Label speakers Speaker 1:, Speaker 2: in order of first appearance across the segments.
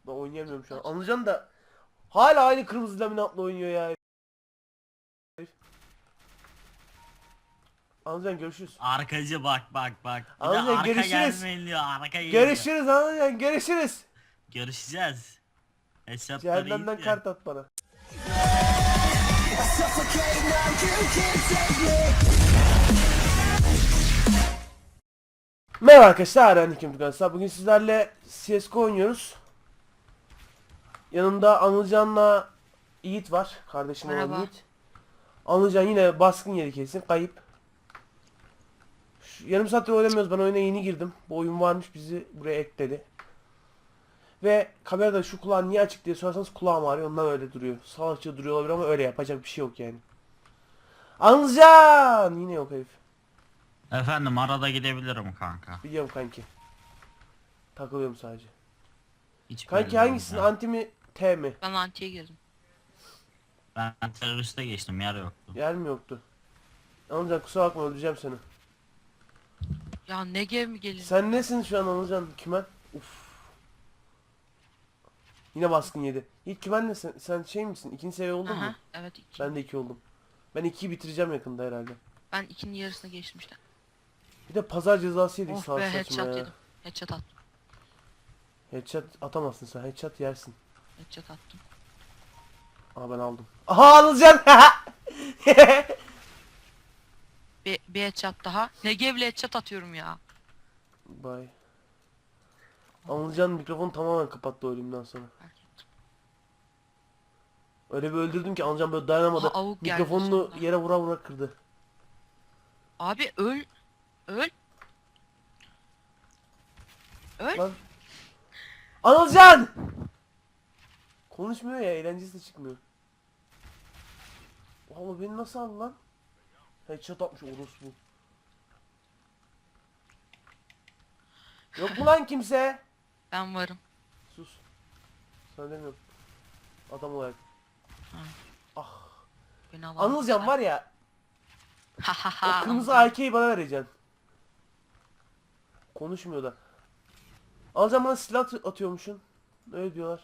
Speaker 1: Ben oynayamıyorum şu an. Anılcan da hala aynı kırmızı laminatla oynuyor ya. Anılcan görüşürüz.
Speaker 2: Arkacı bak. Bir de
Speaker 1: Anılcan
Speaker 2: arka
Speaker 1: görüşürüz.
Speaker 2: gelmeyin diyor. Arka geliyor.
Speaker 1: Görüşürüz Anılcan görüşürüz.
Speaker 2: Görüşeceğiz. Hesapları iyi
Speaker 1: Cehennemden
Speaker 2: diye.
Speaker 1: kart at bana. Merhaba arkadaşlar, ben Nikim Tugansa. Bugün sizlerle CSGO oynuyoruz. Yanımda Anılcan'la Yiğit var. Kardeşim olan
Speaker 3: Merhaba.
Speaker 1: Yiğit. Anılcan yine baskın yeri kesin. Kayıp. Yarım saattir oynamıyoruz. Ben oyuna yeni girdim. Bu oyun varmış, bizi buraya ekledi. Ve kamerada şu kulağın niye açık diye sorarsanız kulağım ağrıyor. Ondan öyle duruyor. Salakça duruyor olabilir ama öyle yapacak bir şey yok yani. Anılcan! Yine yok herif.
Speaker 2: Efendim arada gidebilirim kanka.
Speaker 1: Biliyorum kanki. Takılıyorum sadece.
Speaker 2: Hiç
Speaker 1: Kanki
Speaker 2: belli
Speaker 1: hangisin?
Speaker 2: olmaz.
Speaker 1: Anti mi? T mi?
Speaker 3: Ben antiye girdim.
Speaker 2: Ben teröriste geçtim, yer yoktu.
Speaker 1: Yer mi yoktu? Anılcan kusura bakma, öldüreceğim seni.
Speaker 3: Ya Negev mi gelin?
Speaker 1: Sen nesin şu an Anılcan? Kümen? Uf. Yine baskın yedi. İlk kümen nesin? Sen şey misin? İkinci seviye oldun
Speaker 3: Aha,
Speaker 1: mu?
Speaker 3: evet iki.
Speaker 1: Ben de 2 oldum. Ben 2'yi bitireceğim yakında herhalde.
Speaker 3: Ben ikinin yarısına geçtim işte.
Speaker 1: Bir de pazar cezası yedik
Speaker 3: Oh
Speaker 1: sağ
Speaker 3: be
Speaker 1: saçma
Speaker 3: headshot
Speaker 1: ya.
Speaker 3: yedim. Headshot attım.
Speaker 1: Headshot atamazsın sen. Headshot yersin.
Speaker 3: Headshot attım.
Speaker 1: Aa ben aldım. Aha Anılcan!
Speaker 3: Bir headshot daha. Negev'le headshot atıyorum ya.
Speaker 1: Bye. Anılcan mikrofonu tamamen kapattı ölümden sonra.
Speaker 3: Fark ettim.
Speaker 1: Öyle bir öldürdüm ki Anılcan böyle dayanamadı.
Speaker 3: Aha, avuk geldi
Speaker 1: Mikrofonunu
Speaker 3: sonunda.
Speaker 1: yere vura vura kırdı.
Speaker 3: Abi öl. Öl. Öl.
Speaker 1: Lan. Anılcan! Konuşmuyor ya, eğlencesi de çıkmıyor. Valla beni nasıl aldı lan? Headshot atmış orospu. Yok mu lan kimse?
Speaker 3: Ben varım.
Speaker 1: Sus. Sana demiyorum. Adam olarak.
Speaker 3: Ha.
Speaker 1: Ah.
Speaker 3: Beni alan.
Speaker 1: Anılcan var ya.
Speaker 3: Ha ha
Speaker 1: O
Speaker 3: ha.
Speaker 1: kırmızı
Speaker 3: Anılcan.
Speaker 1: AK'yi bana vereceksin. Konuşmuyor da. Anılcan bana silah atıyormuşsun. Öyle diyorlar.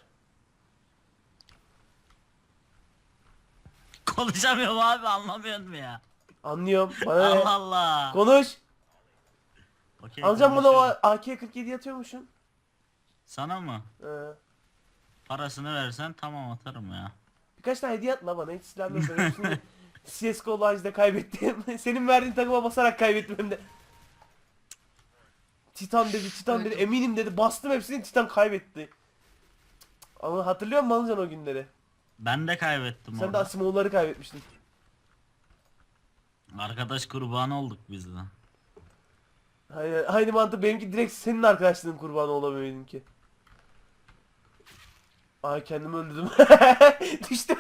Speaker 2: Konuşamıyorum abi, anlamıyor musun ya?
Speaker 1: Anlıyorum. Bana ne?
Speaker 2: Allah Allah.
Speaker 1: Konuş.
Speaker 2: Okey,
Speaker 1: Anılcan bana o
Speaker 2: konuşuyorum.
Speaker 1: AK-47 atıyormuşsun.
Speaker 2: Sana mı?
Speaker 1: Ee,
Speaker 2: Parasını versen tamam atarım ya.
Speaker 1: birkaç tane hediye at la bana. Hiç silahım yok. Ben hepsini CSGO Live'da kaybettim. Senin verdiğin takıma basarak kaybettim hem de. Titan dedi, Titan dedi.
Speaker 3: Öldüm.
Speaker 1: Eminim dedi. Bastım hepsini, Titan kaybetti. Ama hatırlıyor musun Anılcan o günleri?
Speaker 2: Ben de kaybettim
Speaker 1: Sen de
Speaker 2: orada.
Speaker 1: Asimov'ları kaybetmiştin.
Speaker 2: Arkadaş kurbanı olduk biz de.
Speaker 1: Aynı mantık, benimki direkt senin arkadaşlığın kurbanı olamıyor benimki. Ay kendimi öldürdüm. Düştüm.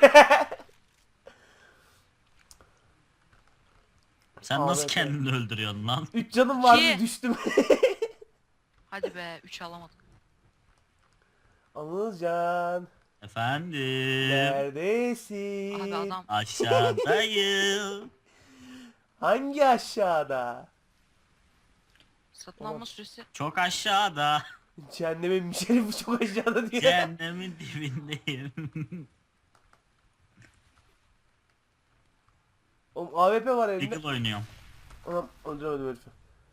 Speaker 2: Sen nasıl
Speaker 1: Ahmet ya.
Speaker 2: kendini öldürüyorsun lan?
Speaker 1: 3 canım vardı,
Speaker 3: İki.
Speaker 1: düştüm.
Speaker 3: Hadi be 3 alamadım.
Speaker 1: Anılcan.
Speaker 2: Efendim.
Speaker 1: Neredesin?
Speaker 3: Abi adam.
Speaker 2: Aşağıdayım.
Speaker 1: Hangi aşağıda?
Speaker 3: Satın
Speaker 1: Tamam.
Speaker 3: alma süresi.
Speaker 2: Çok aşağıda.
Speaker 1: Cehennemin bir şerifi bu çok aşağıda diyor.
Speaker 2: Cehennemin dibindeyim.
Speaker 1: Oğlum AWP var elimde.
Speaker 2: Eagle oynuyorum.
Speaker 1: Anam öldüremedim herifi.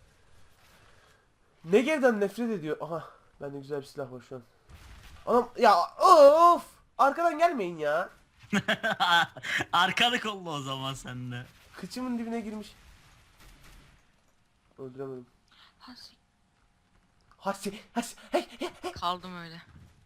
Speaker 1: Negev'den nefret ediyor. Aha bende güzel bir silah var şu an. Anam ya of! Arkadan gelmeyin ya.
Speaker 2: Arkanı kolla o zaman sen de.
Speaker 1: Kıçımın dibine girmiş. Öldüremedim.
Speaker 3: Has-
Speaker 1: Hasi hey hey.
Speaker 3: Kaldım öyle.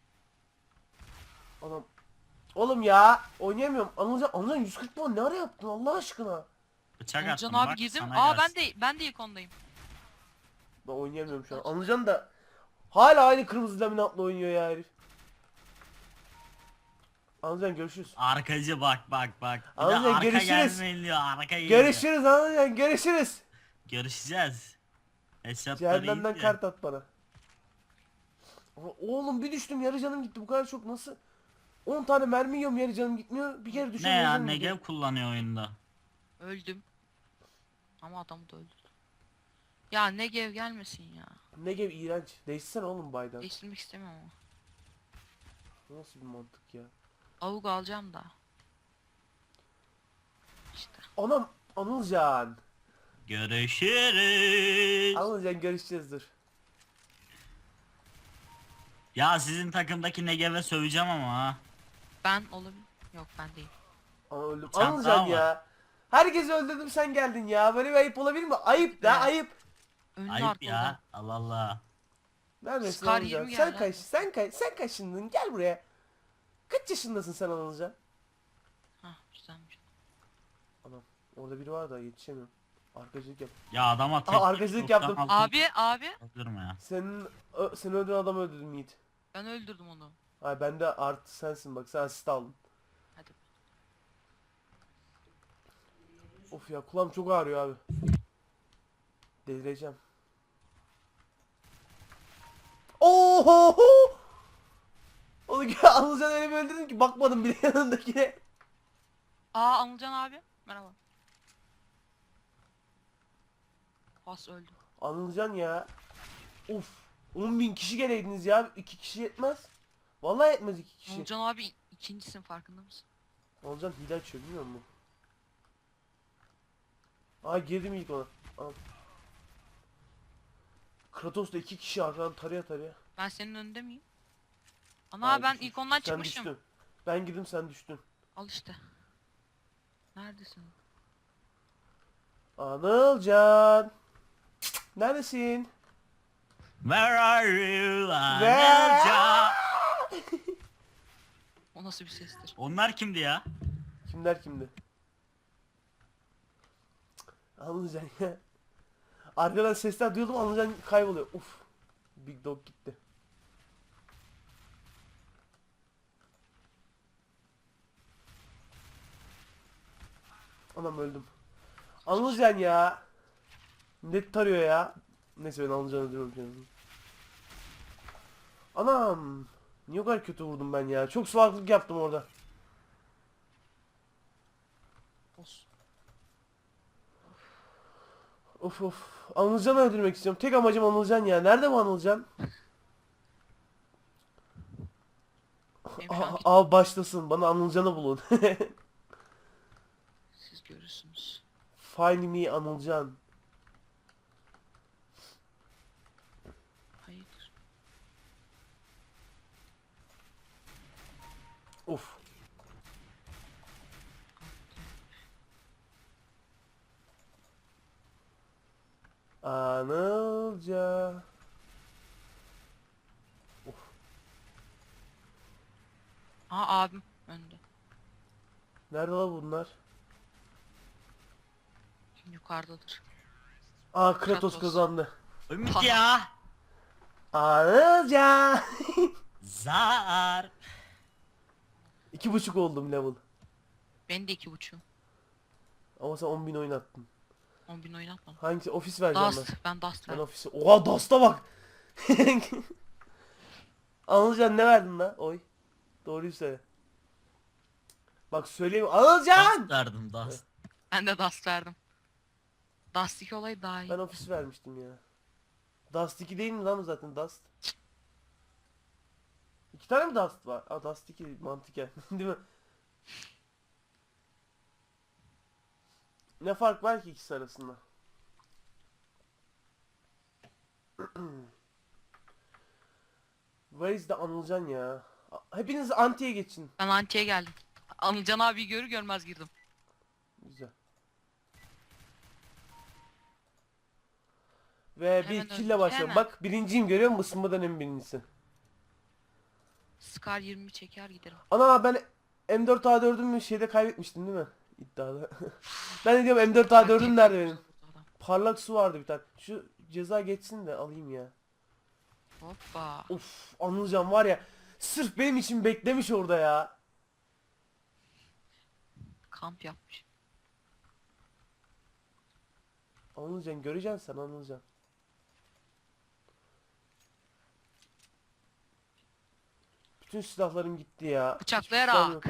Speaker 1: Anam. Oğlum ya oynayamıyorum. Anılcan 140 puan ne ara yaptın Allah aşkına?
Speaker 2: Bıçak
Speaker 3: Anılcan
Speaker 2: attım
Speaker 3: abi
Speaker 2: bak
Speaker 3: girdim.
Speaker 2: sana
Speaker 3: Aa
Speaker 2: gelsin.
Speaker 3: ben de ilk ondayım.
Speaker 1: Ben oynayamıyorum şu an. Anılcan da hala aynı kırmızı laminatla oynuyor ya herif. Anılcan görüşürüz.
Speaker 2: Arkacı bak. Bir de
Speaker 1: Anılcan,
Speaker 2: arka
Speaker 1: görüşürüz.
Speaker 2: gelmeyin diyor. Arka geliyor.
Speaker 1: Görüşürüz Anılcan görüşürüz.
Speaker 2: Görüşeceğiz. Hesapları
Speaker 1: Cehennemden
Speaker 2: iyi diye.
Speaker 1: kart at bana. Ama oğlum bir düştüm, yarı canım gitti, bu kadar çok nasıl? 10 tane mermi yiyorum, yarı canım gitmiyor. Bir kere
Speaker 2: Ne
Speaker 1: düşüyorum,
Speaker 2: ya,
Speaker 1: yarı canım
Speaker 2: Negev
Speaker 1: gidiyor.
Speaker 2: kullanıyor oyunda.
Speaker 3: Öldüm. Ama adamı da öldürdüm. Ya Negev gelmesin ya.
Speaker 1: Negev iğrenç. Değişsene oğlum baydan.
Speaker 3: Değiştirmek istemiyorum ama.
Speaker 1: Bu nasıl bir mantık ya?
Speaker 3: Avuk alacağım da. İşte.
Speaker 1: Anam Anılcan.
Speaker 2: Görüşürüz.
Speaker 1: Anılcan görüşeceğiz dur.
Speaker 2: Ya sizin takımdaki Negev'e söveceğim ama ha.
Speaker 3: Ben olabilir. Yok ben değil.
Speaker 1: Ana öldüm.
Speaker 2: Sen
Speaker 1: Anılcan
Speaker 2: daha var.
Speaker 1: ya. Herkesi öldürdüm sen geldin ya. Böyle bir ayıp olabilir mi? Ayıp da
Speaker 3: Be.
Speaker 1: ayıp.
Speaker 3: Önlü
Speaker 2: Ayıp
Speaker 3: arkalı.
Speaker 2: ya. Allah Allah.
Speaker 1: Neredesin
Speaker 3: Scar
Speaker 1: Anılcan?
Speaker 3: 20
Speaker 1: Sen
Speaker 3: geldi
Speaker 1: kaç?
Speaker 3: abi.
Speaker 1: Sen kaçındın? Gel buraya. Kaç yaşındasın sen Anılcan?
Speaker 3: Hah güzelmiş.
Speaker 1: Anam orada biri var da yetişemiyorum. Arkacılık yap.
Speaker 2: Ya adama tek
Speaker 1: arkadaşlık yaptım.
Speaker 3: Abi
Speaker 2: Durma ya.
Speaker 1: Seni öldüren adamı öldürdüm Yiğit.
Speaker 3: ben öldürdüm onu.
Speaker 1: Ay ben de artı sensin bak sen asist aldın.
Speaker 3: Hadi.
Speaker 1: Of ya kulağım çok ağrıyor abi. Delireceğim. Oho! Onu Anılcan öyle bir öldürdün ki bakmadım bile yanındakine.
Speaker 3: Aa Anılcan abi. Merhaba. Pas öldü.
Speaker 1: Anılcan ya. Of. 10.000 kişi geleydiniz ya. 2 kişi yetmez. Vallahi yetmez 2 kişi.
Speaker 3: Anılcan abi ikincisin farkında mısın?
Speaker 1: Anılcan hile açıyor bilmiyor musun? Aa girdim ilk ona. Aa. Kratos da 2 kişi arkadan taraya taraya.
Speaker 3: Ben senin önünde miyim? Ana
Speaker 1: Ay,
Speaker 3: ben
Speaker 1: düşmüş.
Speaker 3: ilk ondan
Speaker 1: Sen
Speaker 3: çıkmışım.
Speaker 1: düştün. Ben girdim sen düştün.
Speaker 3: Al işte. Neredesin?
Speaker 1: Anılcan. Neredesin?
Speaker 2: Where are you?
Speaker 1: Where?
Speaker 2: Anelca?
Speaker 3: O nasıl bir sestir?
Speaker 2: Onlar kimdi ya?
Speaker 1: Kimler kimdi? Anılcan ya. Arkadan sesler duyuyordum Anılcan kayboluyor. Uf. Big Dog gitti. Anam öldüm. Anılcan ya. Net tarıyor ya. Neyse ben Anılcan'ı öldürüyorum canım. Anam. Niye o kadar kötü vurdum ben ya? Çok salaklık yaptım orada.
Speaker 3: Olsun.
Speaker 1: Of of. Anılcan'ı öldürmek istiyorum. Tek amacım Anılcan ya. Nerede bu Anılcan?
Speaker 3: Benim şu an
Speaker 1: Al başlasın. Bana Anılcan'ı bulun.
Speaker 3: siz görürsünüz.
Speaker 1: Find me Anılcan.
Speaker 3: Hayır.
Speaker 1: Of. Anılca. Of.
Speaker 3: Aa abim önde.
Speaker 1: Nerede la bunlar?
Speaker 3: Yukarıdadır.
Speaker 1: Aa Kratos
Speaker 3: Kratos.
Speaker 1: kazandı.
Speaker 2: Ümit ya.
Speaker 1: Anılca.
Speaker 2: Zar.
Speaker 1: 2,5 oldum level.
Speaker 3: Ben de 2.5'um.
Speaker 1: Ama sen 10.000 oynattın.
Speaker 3: 10.000 oynatmam.
Speaker 1: Hangisi? Ofis vereceğim ben.
Speaker 3: Dust. Ben Dust
Speaker 1: Ben
Speaker 3: verdim.
Speaker 1: ofisi. Oha Dust'a bak. Anılcan ne verdin la? Oy. Doğruyu söyle. Bak söyleyeyim. Anılcan!
Speaker 2: Dust verdim dust.
Speaker 3: Ben de Dust verdim. Dust 2 olayı daha iyi.
Speaker 1: Ben ofis vermiştim ya. Dust 2 değil mi lan zaten Dust? 2 tane mi Dust var? Aa Dust 2 mantıken değil mi? Ne fark var ki ikisi arasında? Where is the Anılcan ya? Hepiniz antiye geçin.
Speaker 3: Ben antiye geldim. Anılcan abi görür görmez girdim.
Speaker 1: Güzel. Ve
Speaker 3: Hemen
Speaker 1: bir kille
Speaker 3: öldük,
Speaker 1: başlıyorum.
Speaker 3: hemen.
Speaker 1: Bak birinciyim görüyor musun? Isınmadan en birincisi.
Speaker 3: Scar 20 çeker giderim.
Speaker 1: Ana ben M4A4'ümü şeyde kaybetmiştim değil mi? İddiada. Ben de diyorum M4A4'üm nerede benim?
Speaker 3: Adam.
Speaker 1: Parlak su vardı bir tane. Şu ceza geçsin de alayım ya.
Speaker 3: Hoppa.
Speaker 1: Of Anılcan var ya. Sırf benim için beklemiş orada ya.
Speaker 3: Kamp yapmış.
Speaker 1: Anılcan göreceksin sen Anılcan. Bütün silahlarım gitti ya. Hiçbir silahım
Speaker 3: Bıçaklayarak.
Speaker 1: yok.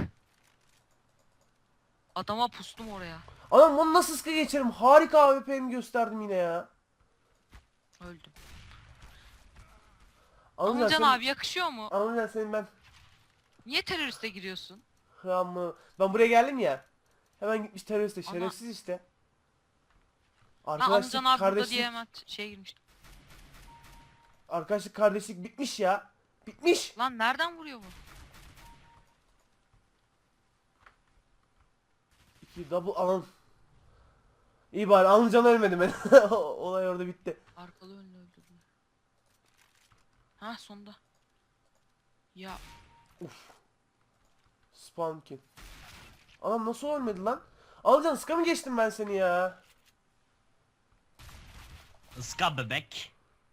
Speaker 3: Adama pustum oraya.
Speaker 1: Anam onu nasıl sıkı geçerim? Harika AWP'mi gösterdim yine ya.
Speaker 3: Öldüm.
Speaker 1: Anılcan
Speaker 3: Anılcan
Speaker 1: senin-
Speaker 3: abi yakışıyor mu?
Speaker 1: Anılcan senin ben
Speaker 3: Niye teröriste giriyorsun?
Speaker 1: Ama ben buraya geldim ya. Hemen gitmiş teröriste.
Speaker 3: Ama-
Speaker 1: Şerefsiz işte.
Speaker 3: Ben
Speaker 1: Arkadaşlık,
Speaker 3: Anılcan abi burada
Speaker 1: kardeşlik,
Speaker 3: diye hemen şeye girmiştim.
Speaker 1: arkadaşlık, kardeşlik bitmiş ya. Bitmiş.
Speaker 3: Lan nereden vuruyor bu?
Speaker 1: İki double alan. İyi bari Anılcan ölmedi ben. Olay orada bitti.
Speaker 3: Arkalı önlü öldürdüm. Ha sonda. Ya
Speaker 1: Spawn kill. Anam nasıl ölmedi lan? Anılcan sıka mı geçtim ben seni ya?
Speaker 2: Iska bebek.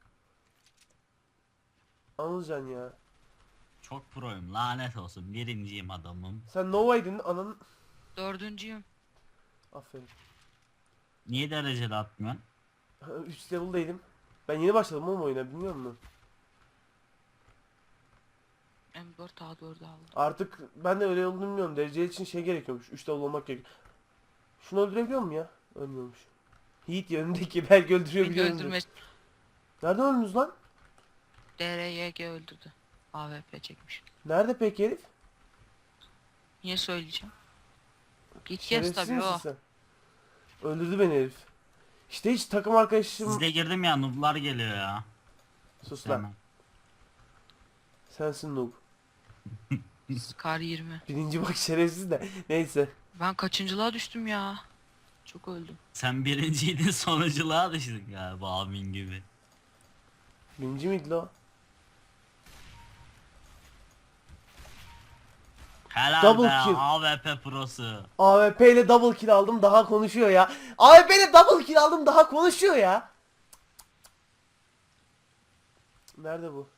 Speaker 1: Anılcan ya.
Speaker 2: Çok proyum lanet olsun. Birinciyim adamım.
Speaker 1: Sen Nova'ydın ananın.
Speaker 3: dördüncüyüm.
Speaker 1: Aferin.
Speaker 2: Niye dereceli atmıyorsun?
Speaker 1: 3 level'daydım. Ben yeni başladım oğlum oyuna bilmiyor musun?
Speaker 3: M4 A4 aldım.
Speaker 1: Artık ben de öyle olduğunu bilmiyorum. Derece için şey gerekiyormuş. 3 level olmak gerekiyor. Şunu öldürebiliyor muyum ya? Ölmüyormuş. Yiğit ya önündeki belki öldürüyor
Speaker 3: Beni
Speaker 1: biliyorum.
Speaker 3: öldürme.
Speaker 1: Nereden öldünüz lan?
Speaker 3: DRYG öldürdü. AWP çekmiş.
Speaker 1: Nerede peki herif?
Speaker 3: Niye söyleyeceğim? Git yes
Speaker 1: Şerefsiz
Speaker 3: tabii
Speaker 1: misin
Speaker 3: o.
Speaker 1: sen? Öldürdü beni herif. İşte hiç takım arkadaşım...
Speaker 2: Sizde girdim ya nooblar geliyor ya.
Speaker 1: Sus lan.
Speaker 2: Hemen.
Speaker 1: Sensin noob.
Speaker 3: Scar 20.
Speaker 1: Birinci bak şerefsiz de. Neyse.
Speaker 3: Ben kaçıncılığa düştüm ya. Çok öldüm.
Speaker 2: Sen birinciydin sonuculuğa düştün galiba abin gibi.
Speaker 1: Birinci miydi la o?
Speaker 2: Helal
Speaker 1: Double
Speaker 2: be
Speaker 1: kill.
Speaker 2: AWP prosu.
Speaker 1: AWP ile double kill aldım daha konuşuyor ya. AWP ile double kill aldım daha konuşuyor ya. Nerede bu?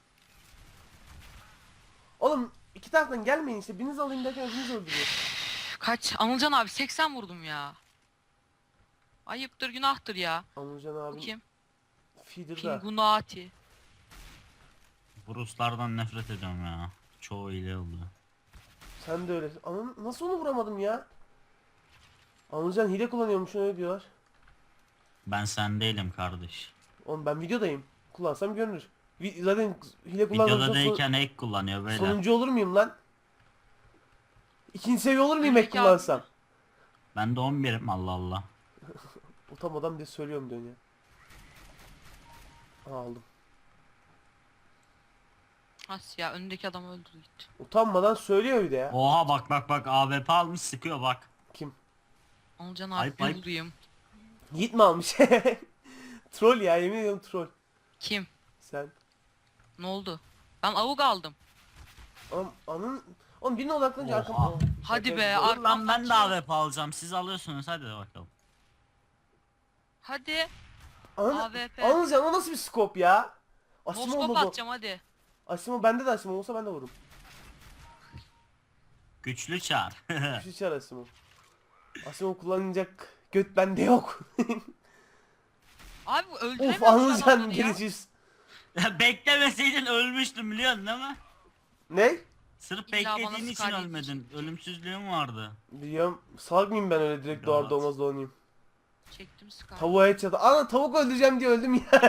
Speaker 1: Oğlum iki taraftan gelmeyin işte. Biriniz alayım derken öbürünüz öldürüyor.
Speaker 3: Kaç? Anılcan abi 80 vurdum ya. Ayıptır günahtır ya.
Speaker 1: Anılcan
Speaker 3: Bu
Speaker 1: abim
Speaker 3: kim?
Speaker 1: feeder'da.
Speaker 3: Pingunati.
Speaker 2: Bu Ruslardan nefret ediyorum ya. Çoğu ile oldu.
Speaker 1: Sen de öyle. Nasıl onu vuramadım ya? Anılcan hile kullanıyormuş öyle diyorlar.
Speaker 2: Ben sen değilim kardeş.
Speaker 1: Oğlum ben videodayım. Kullansam görünür. Zaten hile kullansam
Speaker 2: Videoda değilken hack kullanıyor böyle.
Speaker 1: sonuncu olur muyum lan? İkinci seviye olur muyum hack
Speaker 3: Öndeki abi-
Speaker 1: kullansam?
Speaker 2: Ben de 11'im Allah Allah.
Speaker 1: Utanmadan bir de söylüyorum diyorsun ya. Aldım.
Speaker 3: As ya önündeki adam öldürdü gitti.
Speaker 1: Utanmadan söylüyor bir de ya.
Speaker 2: Oha bak bak bak AWP almış sıkıyor bak.
Speaker 1: Kim?
Speaker 3: Anılcan
Speaker 2: Ayıp,
Speaker 3: abi
Speaker 2: ayıp.
Speaker 3: bulduyum.
Speaker 1: Yiğit mi almış? Troll ya yemin ediyorum troll.
Speaker 3: Kim?
Speaker 1: Sen.
Speaker 3: Ne oldu? Ben avuk aldım.
Speaker 1: Oğlum birine odaklanınca
Speaker 2: Oha.
Speaker 1: arkam.
Speaker 3: Hadi
Speaker 1: Şaka
Speaker 3: be,
Speaker 1: yapıyorum.
Speaker 2: Dur lan ben de
Speaker 3: kaçıyor.
Speaker 2: AWP alacağım. Siz alıyorsunuz hadi bakalım.
Speaker 3: Hadi.
Speaker 1: Anıl,
Speaker 3: AWP.
Speaker 1: Anılcan o nasıl bir scope ya? Asimo
Speaker 3: Moskop
Speaker 1: mu bu?
Speaker 3: atacağım hadi.
Speaker 1: Asimo bende de Asimo olsa ben de vururum.
Speaker 2: Güçlü çağır.
Speaker 1: Bir şey çağır Asimo. Asimo kullanacak göt bende yok.
Speaker 3: Abi
Speaker 1: Of
Speaker 3: öldüremiyorum
Speaker 1: Anılcan
Speaker 3: adamları ya.
Speaker 1: geleceğiz.
Speaker 2: Beklemeseydin ölmüştüm biliyorsun değil mi?
Speaker 1: Ne?
Speaker 2: Sırf
Speaker 3: İlla bana
Speaker 2: beklediğin için
Speaker 3: Scarlet
Speaker 2: ölmedin.
Speaker 3: için.
Speaker 2: Ölümsüzlüğün vardı.
Speaker 1: Biliyorum. Salak mıyım ben öyle direkt doğar
Speaker 2: Evet.
Speaker 1: doğmaz dolanayım.
Speaker 3: Çektim Scar.
Speaker 1: Tavuğa et çatı. Ana tavuk öldüreceğim diye öldüm ya.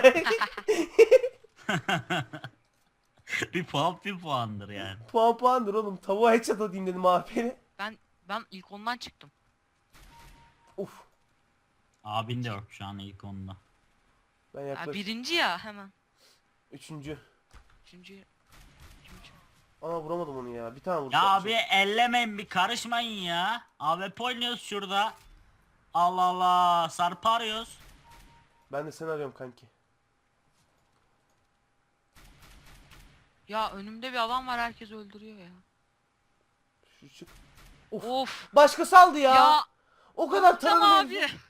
Speaker 2: Bir puan bir puandır yani.
Speaker 1: Puandır oğlum. Tavuğa headshot atayım dedim AP'yle.
Speaker 3: Ben ilk ondan çıktım.
Speaker 1: Uf.
Speaker 2: Abin de yok şu an ilk onda.
Speaker 1: Ben
Speaker 3: Ya
Speaker 1: yaklaşık.
Speaker 3: birinci ya hemen.
Speaker 1: Üçüncü.
Speaker 3: Üçüncü. Üçüncü.
Speaker 1: Ana vuramadım onu ya. Bir tane vurdu.
Speaker 2: Ya abi ellemeyin bir karışmayın ya. AWP oynuyoruz şurada. Allah Allah sarparıyoruz.
Speaker 1: Ben de seni arıyorum kanki.
Speaker 3: Ya önümde bir adam var herkes öldürüyor ya.
Speaker 1: Şu çık. Of.
Speaker 3: Of.
Speaker 1: Başkası aldı ya.
Speaker 3: Ya.
Speaker 1: O kadar
Speaker 3: Tamam
Speaker 1: taradım
Speaker 3: abi.
Speaker 1: herifi.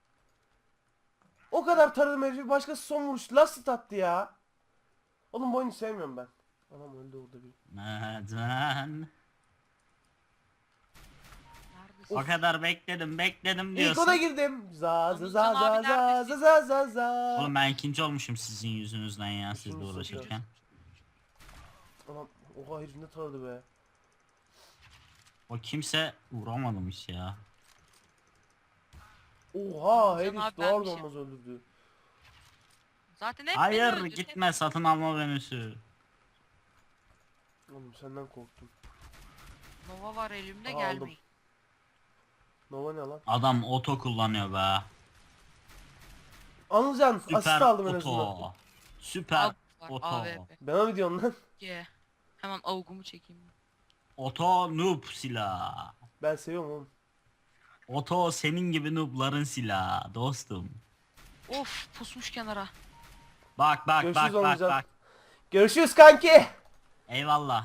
Speaker 1: O kadar taradım herifi. Başkası son vuruş. Lastit attı ya. Oğlum bu oyunu sevmiyorum ben. Anam öldü orada bir.
Speaker 2: Neden?
Speaker 3: Neredesin?
Speaker 2: O kadar bekledim
Speaker 1: İlk
Speaker 2: diyorsun.
Speaker 1: ona girdim. Za za za
Speaker 3: Anılcan
Speaker 1: za
Speaker 3: abi
Speaker 1: za
Speaker 3: neredesin?
Speaker 1: za za za.
Speaker 2: Oğlum ben ikinci olmuşum sizin yüzünüzden ya sizle
Speaker 1: Üçüncüsün
Speaker 2: uğraşırken.
Speaker 1: Anam oha herif ne taradı be.
Speaker 2: O kimse vuramadım hiç ya.
Speaker 1: Oha
Speaker 3: Anılcan
Speaker 1: herif
Speaker 3: abi
Speaker 1: doğar
Speaker 3: benmişim.
Speaker 1: doğmaz öldürdü.
Speaker 3: Zaten hep beni
Speaker 2: Hayır
Speaker 3: öldürüyor.
Speaker 2: gitme satın alma menüsü.
Speaker 1: Oğlum senden korktum.
Speaker 3: Nova var elimde,
Speaker 1: Aldım.
Speaker 3: gelmeyin.
Speaker 1: Nova ne lan?
Speaker 2: Adam oto kullanıyor be.
Speaker 1: Anılcan asist
Speaker 2: Süper
Speaker 1: aldım en azından.
Speaker 2: oto. Süper
Speaker 3: Av var,
Speaker 2: oto.
Speaker 3: AWP.
Speaker 1: Bana mı diyorsun lan?
Speaker 3: Ye. Hemen avugumu çekeyim.
Speaker 2: Oto noob silah.
Speaker 1: Ben seviyorum oğlum.
Speaker 2: Oto senin gibi noobların silahı dostum.
Speaker 3: Of, pusmuş kenara.
Speaker 2: Bak bak
Speaker 1: Görüşürüz
Speaker 2: bak bak
Speaker 1: Anılcan.
Speaker 2: bak.
Speaker 1: Görüşürüz kanki.
Speaker 2: Eyvallah.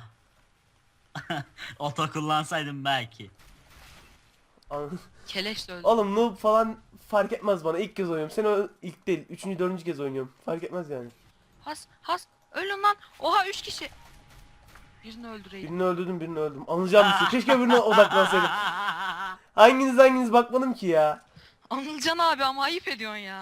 Speaker 2: Oto kullansaydım belki.
Speaker 1: An-
Speaker 3: Keleş de öldü.
Speaker 1: Oğlum noob falan fark etmez bana. İlk kez oynuyorum. Sen o ilk değil. Üçüncü, dördüncü kez oynuyorum. Fark etmez yani.
Speaker 3: Has, ölün lan. Oha 3 kişi. Birini öldüreydim.
Speaker 1: Birini öldürdüm, birini öldüm. Anılcan mısın? Keşke birine odaklansaydım. Hanginiz bakmadım ki ya.
Speaker 3: Anılcan abi ama ayıp ediyorsun ya.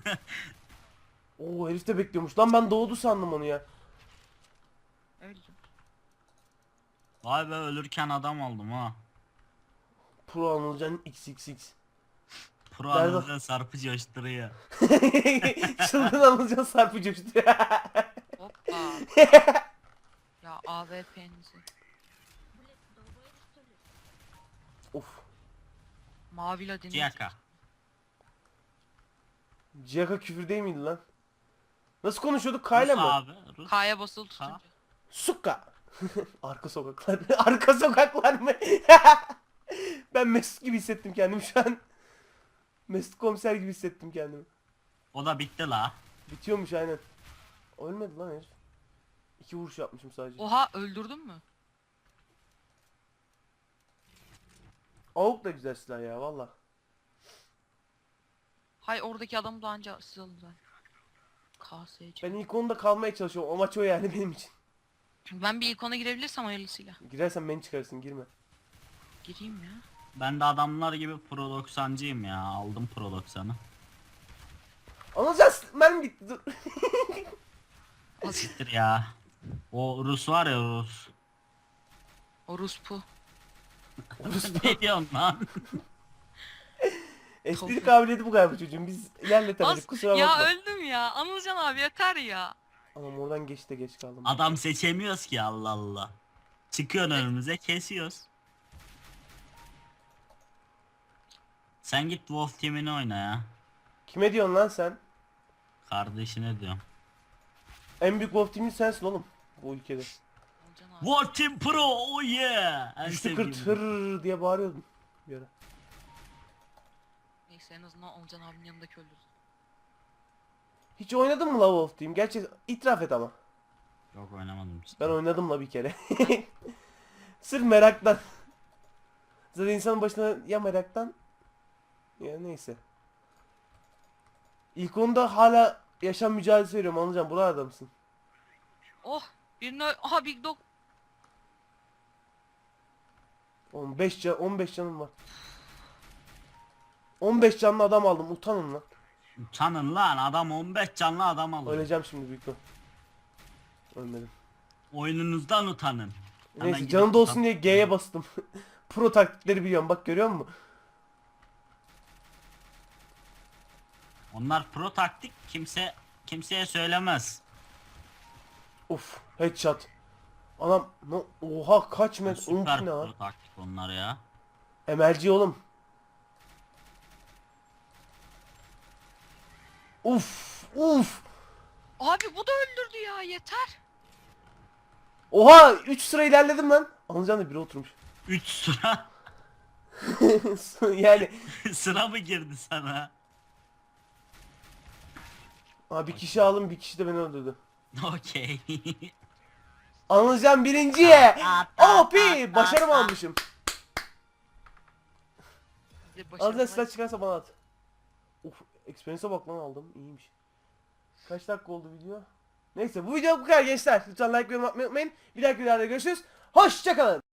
Speaker 1: Oo herif de bekliyormuş. Lan ben doğdu sandım onu ya.
Speaker 3: Öldüm.
Speaker 2: Vay be ölürken adam oldum ha.
Speaker 1: Pro Anılcan XXX.
Speaker 2: Pro
Speaker 1: Nerede?
Speaker 2: anında sarpı coşturuyor.
Speaker 1: Çılgın Anılcan sarpı coştu.
Speaker 3: Hoppa. Ya AWP'nizi.
Speaker 1: Of.
Speaker 3: Mavi ladin.
Speaker 2: Ciyaka.
Speaker 1: Ciyaka küfür değil miydi lan? Nasıl konuşuyorduk? Kayla
Speaker 2: Rus
Speaker 1: mı?
Speaker 2: abi. Rus.
Speaker 3: K'ya basılı tutunca.
Speaker 1: Sukka. Arka sokaklar. Arka sokaklar mı? Ben Mesut gibi hissettim kendimi şu an. Mesut komiser gibi hissettim kendimi.
Speaker 2: O da bitti la.
Speaker 1: Bitiyormuş aynen. Ölmedi lan herif. 2 vuruş yapmışım sadece.
Speaker 3: Oha öldürdün mü?
Speaker 1: Avuk da güzel silah ya valla.
Speaker 3: Hay oradaki adamı da anca siz alın zaten. KSC.
Speaker 1: Ben ilk onda kalmaya çalışıyorum. Amaç o yani benim için.
Speaker 3: Ben bir ilk ona girebilirsem hayırlısıyla.
Speaker 1: Girersen beni çıkarırsın girme.
Speaker 3: Gireyim ya.
Speaker 2: Ben de adamlar gibi Pro 90'cıyım ya. Aldım Pro 90'ı.
Speaker 1: Anılacağız. Ben gitti dur.
Speaker 2: Siktir ya. O Rus var ya Rus.
Speaker 3: Orospu.
Speaker 2: Ne diyorsun lan?
Speaker 1: Espri kabiliyeti bu galiba çocuğum. Biz ilerletemedik kusura
Speaker 3: Ya
Speaker 1: bakma.
Speaker 3: öldüm ya. Anılcan abi yeter ya.
Speaker 1: Anam oradan geç de geç kaldım.
Speaker 2: Adam seçemiyoruz ki Allah Allah. Çıkıyor önümüze kesiyoruz. Sen git Wolf Team'ini oyna ya.
Speaker 1: Kime diyorsun lan sen?
Speaker 2: Kardeşine diyorum.
Speaker 1: En büyük Wolf Team'in sensin oğlum. Bu ülkede.
Speaker 3: Anılcan abi.
Speaker 2: Wolf Team Pro oh yeah. En
Speaker 1: Güçlü
Speaker 2: sevdiğim.
Speaker 1: kırt hırr diye bağırıyordum. Bir ara.
Speaker 3: Neyse en azından Anılcan abinin yanındaki öldürdüm.
Speaker 1: Hiç oynadın mı la Wolf Team? Gerçi itiraf et ama.
Speaker 2: Yok oynamadım işte.
Speaker 1: Ben oynadım la bir kere. Sırf meraktan. Zaten insanın başına ya meraktan ya neyse. İlk onda hala yaşam mücadelesi veriyorum Anılcan. Buralarda mısın?
Speaker 3: Oh birini aha Big Dog.
Speaker 1: 15 canım var. 15 canlı adam aldım. Utanın lan.
Speaker 2: Utanın lan adam 15 canlı adam alıyor.
Speaker 1: Öleceğim şimdi büyük ihtimal. Ölmedim.
Speaker 2: Oyununuzdan utanın. Hemen
Speaker 1: Neyse
Speaker 2: gidip
Speaker 1: canım da olsun
Speaker 2: utan-
Speaker 1: diye G'ye bastım. Pro taktikleri biliyorum. Bak görüyor musun?
Speaker 2: Onlar pro taktik kimseye söylemez.
Speaker 1: Uf headshot. Anam oha kaç metre.
Speaker 2: Süper
Speaker 1: Ne lan?
Speaker 2: pro taktik onlar ya.
Speaker 1: MLG oğlum. Uf.
Speaker 3: Abi bu da öldürdü ya yeter.
Speaker 1: Oha 3 sıra ilerledim lan. Anılcan da biri oturmuş.
Speaker 2: 3 sıra
Speaker 1: Yani
Speaker 2: sıra mı girdi sana?
Speaker 1: bir kişi aldım bir kişi de beni öldürdü.
Speaker 2: Okey.
Speaker 1: Anılcan birinciye. OP başarım almışım.
Speaker 3: Bir de
Speaker 1: Anılcan
Speaker 3: başarılı-
Speaker 1: silah çıkarsa bana at. Uf experience'e bak lan aldım iyiymiş. Kaç dakika oldu video? Neyse bu video bu kadar gençler. Lütfen like ve yorum atmayı unutmayın. Bir dahaki videoda görüşürüz. Hoşçakalın.